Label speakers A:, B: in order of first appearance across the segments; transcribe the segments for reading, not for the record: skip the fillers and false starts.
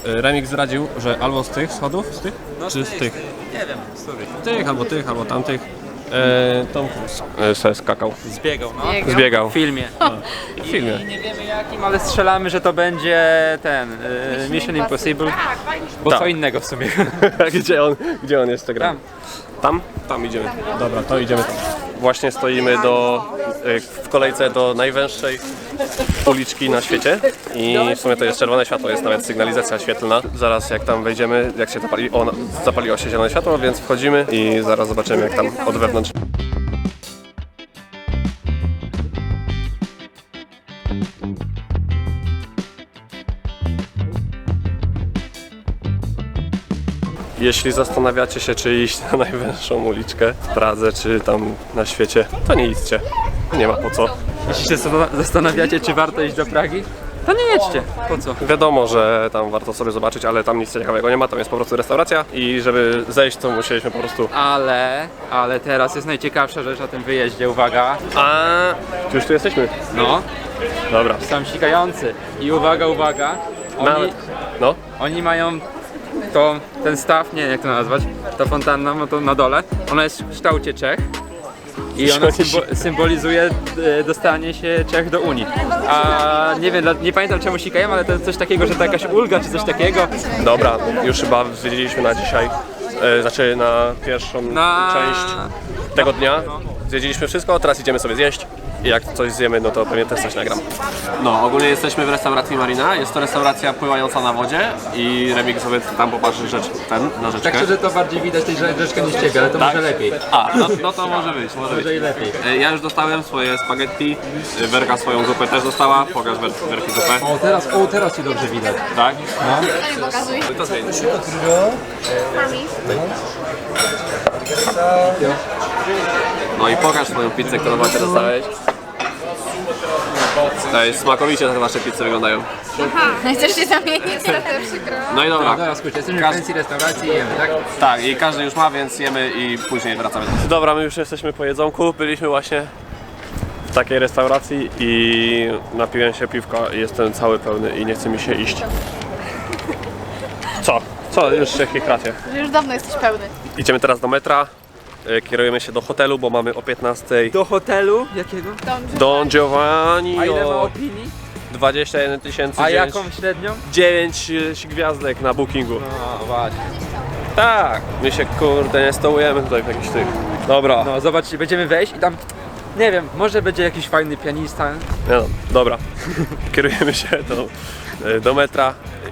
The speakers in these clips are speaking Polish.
A: Remik zdradził, że albo z tych schodów, z tych?
B: No,
A: czy z tych?
B: Nie wiem, z których.
A: Tych, albo tamtych. Tom Cruise se skakał.
B: Zbiegał, no.
A: Zbiegał.
B: W filmie.
A: W filmie.
B: I nie wiemy jakim, ale strzelamy, że to będzie ten Mission Impossible. Bo
A: Tak.
B: co innego w sumie.
A: Gdzie on jest gra? Tam? Tam idziemy. Dobra, to idziemy tam. Właśnie stoimy w kolejce do najwęższej uliczki na świecie i w sumie to jest czerwone światło, jest nawet sygnalizacja świetlna. Zaraz jak tam wejdziemy, jak się zapaliło się zielone światło, więc wchodzimy i zaraz zobaczymy jak tam od wewnątrz. Jeśli zastanawiacie się, czy iść na najwęższą uliczkę w Pradze, czy tam na świecie, to nie idźcie. Nie ma po co.
B: Jeśli się zastanawiacie, czy warto iść do Pragi, to nie jedźcie. Po co?
A: Wiadomo, że tam warto sobie zobaczyć, ale tam nic ciekawego nie ma, tam jest po prostu restauracja i żeby zejść, to musieliśmy po prostu...
B: Ale teraz jest najciekawsza rzecz na tym wyjeździe, uwaga.
A: Już tu jesteśmy.
B: No,
A: Dobra.
B: sam sikający. I uwaga, oni mają ten staw, nie wiem jak to nazwać, ta fontanna, no to na dole, ona jest w kształcie Czech i ona symbolizuje dostanie się Czech do Unii. A nie wiem, nie pamiętam czemu sikają, ale to jest coś takiego, że to jakaś ulga czy coś takiego.
A: Dobra, już chyba zwiedziliśmy na dzisiaj, znaczy na pierwszą część tego dnia. Zwiedziliśmy wszystko, teraz idziemy sobie zjeść. I jak coś zjemy, no to pewnie też coś nagram. No, ogólnie jesteśmy w restauracji Marina. Jest to restauracja pływająca na wodzie i Remik sobie tam popatrzy na rzeczkę.
B: Tak szczerze to bardziej widać tej rzeczkę niż ciebie, ale to może lepiej.
A: No to może być.
B: Może i lepiej.
A: Ja już dostałem swoje spaghetti, Werka swoją zupę też dostała. Pokaż Werki zupę.
B: Teraz ci dobrze widać.
A: Tak?
C: No. Pokazuj.
A: To zmień. No i pokaż swoją pizzę, którą właśnie dostałeś. To jest smakowicie te wasze pizze wyglądają.
C: Aha, chcesz się zamienić? To przykro.
A: No i dobra.
B: Dobra, słuchajcie, jesteśmy w fancy restauracji i jemy, tak?
A: Tak, i każdy już ma, więc jemy i później wracamy. Dobra, my już jesteśmy po jedzonku. Byliśmy właśnie w takiej restauracji i napiłem się piwka i jestem cały pełny i nie chce mi się iść. Co? Już się chichracie.
C: Już dawno jesteś pełny.
A: Idziemy teraz do metra. Kierujemy się do hotelu, bo mamy o 15:00.
B: Do hotelu? Jakiego?
A: Don Giovanni.
B: A ile ma opinii?
A: 21 000.
B: A jaką średnią?
A: 9 gwiazdek na bookingu.
B: No właśnie.
A: Tak, my się kurde nie stołujemy tutaj w jakichś tych. Dobra.
B: No zobaczcie, będziemy wejść i tam, nie wiem, może będzie jakiś fajny pianista.
A: No, dobra. Kierujemy się do metra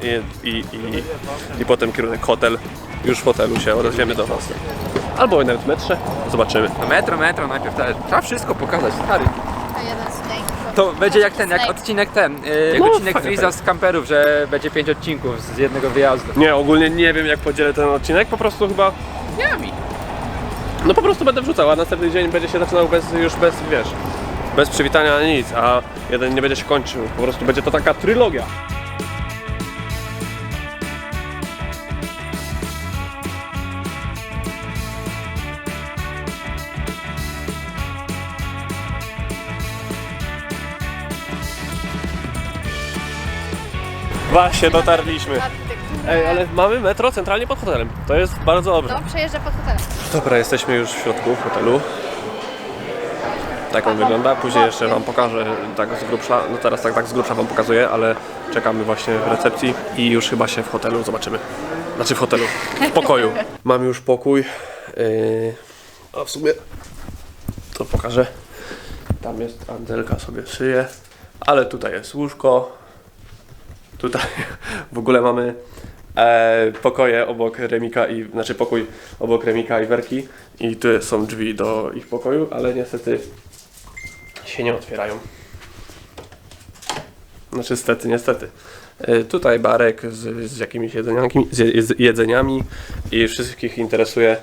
A: i potem kierunek hotel. Już w hotelu się odezwiemy do was. Albo nawet w metrze. Zobaczymy.
B: No metro najpierw, trzeba wszystko pokazać, stary.
C: A jeden snake.
B: To będzie jak odcinek jak odcinek
A: fajnie,
B: Freeza z kamperów, że będzie 5 odcinków z jednego wyjazdu.
A: Nie, ogólnie nie wiem jak podzielę ten odcinek, po prostu chyba... No po prostu będę wrzucał, a następny dzień będzie się zaczynał bez przywitania ani nic, a jeden nie będzie się kończył. Po prostu będzie to taka trylogia. Właśnie dotarliśmy. Ej, ale mamy metro centralnie pod hotelem. To jest bardzo dobrze.
C: No, przejeżdża pod hotelem.
A: Dobra, jesteśmy już w środku hotelu. Tak on wygląda. Później jeszcze wam pokażę tak z grubsza. No teraz tak z grubsza wam pokazuję, ale czekamy właśnie w recepcji i już chyba się w hotelu zobaczymy. Znaczy w hotelu, w pokoju. Mamy już pokój. A w sumie to pokażę. Tam jest Angelka sobie szyje, ale tutaj jest łóżko. Tutaj w ogóle mamy pokoje obok Remika pokój obok Remika i Werki i tu są drzwi do ich pokoju, ale niestety się nie otwierają. Znaczy niestety. Tutaj barek z jakimiś jedzeniami i wszystkich interesuje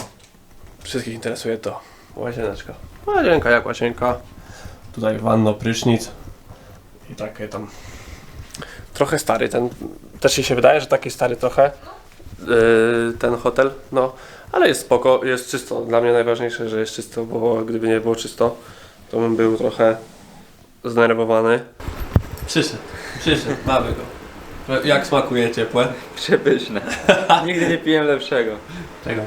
A: to łazieneczka. Łazienka jak łazienka. Tutaj wanno, prysznic i takie tam. Trochę stary, też się wydaje, że taki stary trochę ten hotel, no, ale jest spoko, jest czysto. Dla mnie najważniejsze, że jest czysto, bo gdyby nie było czysto, to bym był trochę zdenerwowany. Przyszedł, mamy go. Jak smakuje ciepłe?
B: Przepyszne. Nigdy nie piłem lepszego.
A: Czego?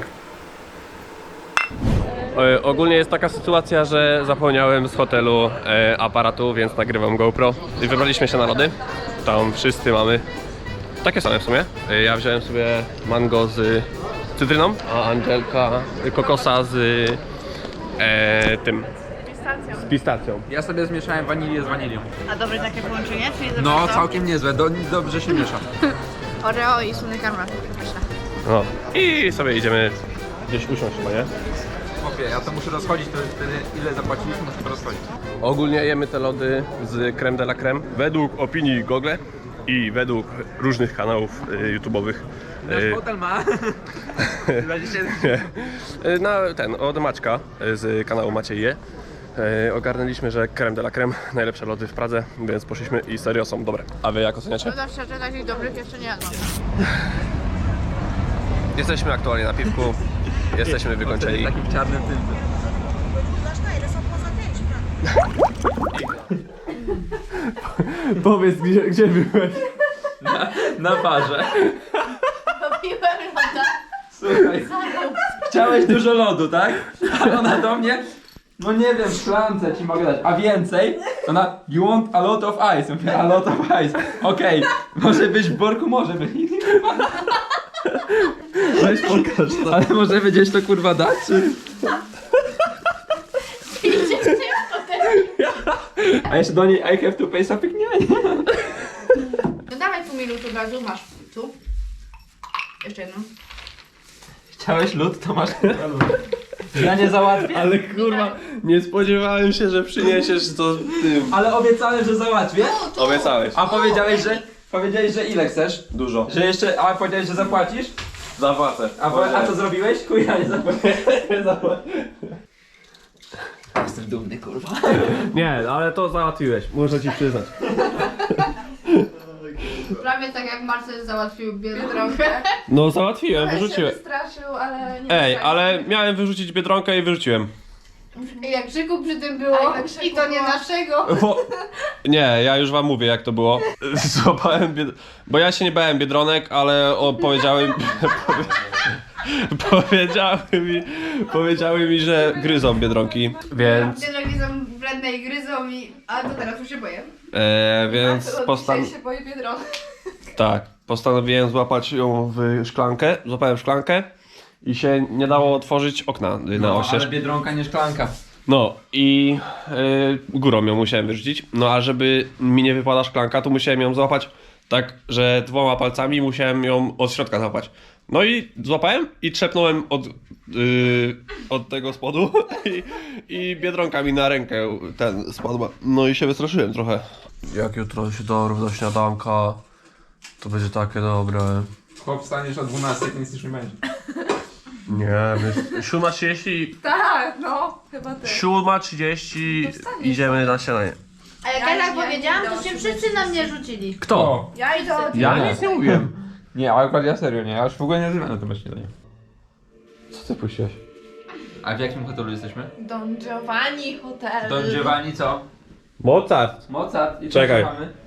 A: Ogólnie jest taka sytuacja, że zapomniałem z hotelu aparatu, więc nagrywam GoPro i wybraliśmy się na lody. Tam wszyscy mamy takie same w sumie. Ja wziąłem sobie mango z cytryną, a Angelka kokosa z tym. Z pistacją.
B: Ja sobie zmieszałem wanilię z wanilią.
C: A dobre takie połączenie? Czyli dobrze
B: No,
C: to?
B: całkiem niezłe. Dobrze się miesza.
C: Oreo i słony karmel. Pyszne.
A: No. I sobie idziemy gdzieś usiąść chyba, nie?
B: Chłopie, ja to muszę rozchodzić, to wtedy ile zapłaciliśmy, muszę to rozchodzić.
A: Ogólnie jemy te lody z creme de la creme. Według opinii Google i według różnych kanałów YouTube'owych.
B: Nasz hotel ma 20...
A: Od Maćka z kanału Maciej Je. Ogarnęliśmy, że creme de la creme najlepsze lody w Pradze, więc poszliśmy i serio są dobre. A wy jak oceniacie?
C: No szczerze, takich dobrych jeszcze nie jadłam.
A: Jesteśmy aktualnie na piwku, jesteśmy wykończeni.
B: Takim czarnym tym.
A: Powiedz, gdzie byłeś?
B: Na barze.
C: Popiłem loda.
B: Słuchaj, chciałeś dużo lodu, tak? A ona do mnie, no nie wiem, w szklance ci mogę dać, a więcej? Ona, you want a lot of ice. Mówię, a lot of ice. Okej, może być w worku, może być.
A: Weź pokaż to.
B: Ale może gdzieś to kurwa dać, czy? A jeszcze do niej I have to pay something? Nie.
C: No dawaj pół minuty od razu, masz tu. Jeszcze jedną.
B: Chciałeś lód, to masz kurwa lód. Ja nie załatwię.
A: Ale kurwa, nie spodziewałem się, że przyniesiesz to tym.
B: Ale obiecałem, że załatwię.
A: Obiecałeś.
B: A powiedziałeś, że ile chcesz?
A: Dużo.
B: Że jeszcze, a powiedziałeś, że zapłacisz?
A: Zapłacę.
B: A co zrobiłeś? Kuja, nie zapłaciłem. Jestem dumny, kurwa.
A: Nie, ale to załatwiłeś, muszę ci przyznać.
C: Prawie tak jak Marcel załatwił Biedronkę.
A: No załatwiłem, wyrzuciłem.
C: Wystraszył, ale nie.
A: Ej, ale miałem wyrzucić Biedronkę i wyrzuciłem.
C: I jak krzyku przy tym było, i to nie naszego.
A: Nie, ja już wam mówię jak to było. Złapałem bo ja się nie bałem Biedronek, ale powiedziały mi, że gryzą Biedronki, więc...
C: Biedronki są wredne i gryzą a to teraz już się boję.
A: Więc
C: się boję Biedronki.
A: tak, postanowiłem złapać ją w szklankę, złapałem szklankę i się nie dało otworzyć okna na oścież.
B: Ale Biedronka, nie szklanka.
A: No i górą ją musiałem wyrzucić, no a żeby mi nie wypadła szklanka, to musiałem ją złapać tak, że 2 palcami musiałem ją od środka złapać. No i złapałem i trzepnąłem od tego spodu i Biedronka mi na rękę spadła. No i się wystraszyłem trochę. Jak jutro się dorwę do śniadanka, to będzie takie dobre.
B: Chłop wstaniesz o 12, to nic już nie będzie.
A: Nie, 7:30,
D: Tak, no, chyba ty.
A: 7:30 idziemy na śniadanie.
C: A jak ja tak powiedziałam, to się wszyscy na mnie rzucili.
A: Kto?
D: Ja idę od...
A: Ja nic nie mówiłem.
B: Nie, ale akurat ja serio nie, ja już w ogóle nie zrywam na temat śniadania.
A: Co ty puściłeś?
B: A w jakim hotelu jesteśmy?
D: Don Giovanni Hotel.
B: Don Giovanni co?
A: Mozart.
B: Mozart. I
A: Czekaj.
B: co mamy?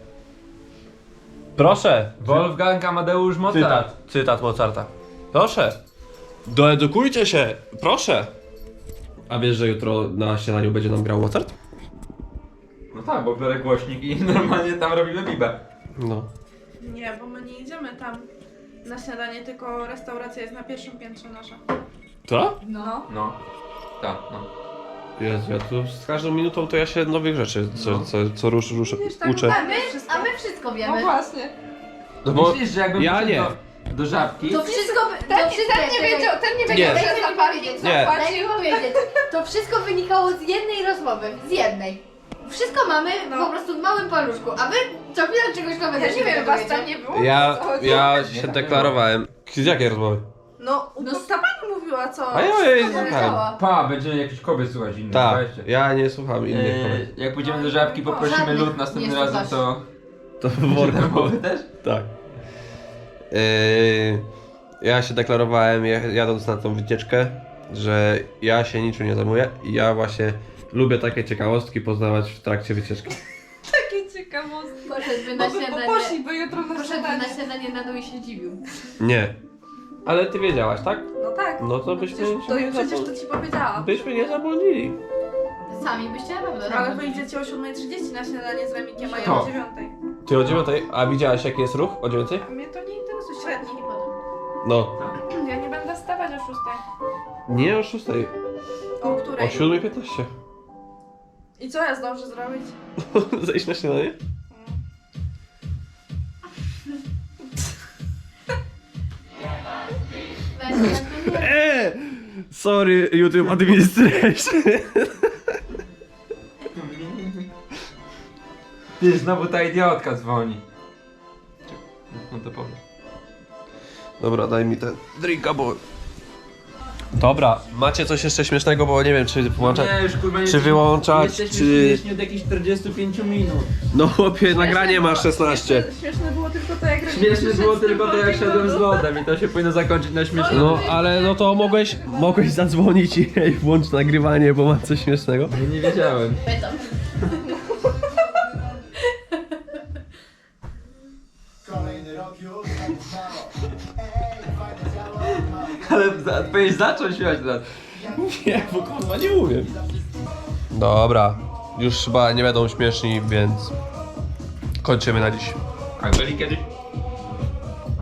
A: Proszę.
B: Wolfgang Amadeusz Mozart.
A: Cytat Mozarta. Proszę. Doedukujcie się. Proszę. A wiesz, że jutro na śniadaniu będzie nam grał Mozart?
B: No tak, bo biorę głośnik i normalnie tam robimy bibę.
A: No.
D: Nie, bo my nie idziemy tam na śniadanie, tylko restauracja jest na pierwszym piętrze nasza.
A: To?
D: No.
B: No. Tak, no.
A: Jezu, ja tu z każdą minutą to ja się nowych rzeczy, co ruszę,
D: Wiesz, tak
A: uczę.
C: A my wszystko
D: No
C: wiemy.
D: właśnie.
A: No bo
B: Myślisz, że jakbym
A: ja
B: poszedł
A: nie.
B: do żabki?
C: To wszystko...
D: Ten nie wiedział, ten nie wiedział,
A: Nie.
D: że za parking
A: Nie.
C: Daj
D: zapłacił.
C: mi powiedzieć. To wszystko wynikało z jednej rozmowy. Z jednej. Wszystko mamy
D: No.
C: po prostu w małym paluszku, a wy co chwilę czegoś nowego
D: Ja nie wiem, was tam nie było?
A: ja,
D: O co chodzi?
A: ja się deklarowałem. Z jakiej rozmowy?
D: No, ta pani mówiła co?
A: A ja jej
C: Co
A: słuchałem.
C: powiedziała?
B: Pa, będzie jakiś kobiet słuchać innych.
A: Tak,
B: weźcie.
A: ja nie słucham innych kobiet.
B: Jak pójdziemy do żabki, poprosimy
C: Żadnych
B: lód następnym
C: nie
B: razem,
C: słuchasz.
B: to...
A: To w worku.
B: Mowy też?
A: Tak. Ja się deklarowałem jadąc na tą wycieczkę, że ja się niczym nie zajmuję i ja właśnie lubię takie ciekawostki poznawać w trakcie wycieczki.
D: Takie ciekawe. Ciekawostka.
C: Poszedłby na
D: Bo
C: śniadanie.
D: poszliby jutro na
C: Poszedłby
D: śniadanie.
C: na śniadanie na dół i się dziwił.
A: Nie. Ale ty wiedziałaś, tak?
D: No tak.
A: No to byśmy
D: Przecież to ci powiedziałam.
A: byśmy nie zabłądzili.
C: Sami byście na pewno
D: Ale
C: robili.
D: wyjdziecie o 7:30 na śniadanie z Remikiem, a ja
B: Kto?
D: o 9:00.
A: Ty o 9, a widziałaś jaki jest ruch o 9?
D: A mnie to nie interesuje średni.
C: Nie podoba.
A: No.
D: Ja nie będę wstawać o 6:00.
A: Nie o 6,
D: O
A: o
D: której?
A: 7:15.
D: I co ja zdążę zrobić?
A: Zejść na śniadanie?
C: Weź, tak to nie.
A: Sorry, YouTube Administration.
B: Ty, znowu ta idiotka dzwoni. No to powiem.
A: Dobra, daj mi ten drinka, bo... Dobra, macie coś jeszcze śmiesznego, bo nie wiem, czy włączać...
B: Nie, już kurwa nie
A: Czy wyłączać, czy...
B: śmieszni od jakichś 45 minut.
A: No chłopie, nagranie ma 16.
D: Śmieszne było tylko to, jak
B: Śmieszne było tylko to, jak szedłem z lodem i to się powinno zakończyć na śmieszne.
A: No, ale no to mogłeś zadzwonić i hej, włącz nagrywanie, bo mam coś śmiesznego.
B: Nie wiedziałem.
C: Pytam.
E: Kolejny rok już tak mało. Fajne ciało,
B: Ale powinieneś zacząć śmiać teraz.
A: Nie, bo kurwa nie umiem. Dobra, już chyba nie będą śmieszni, więc kończymy na dziś.
B: A byli kiedyś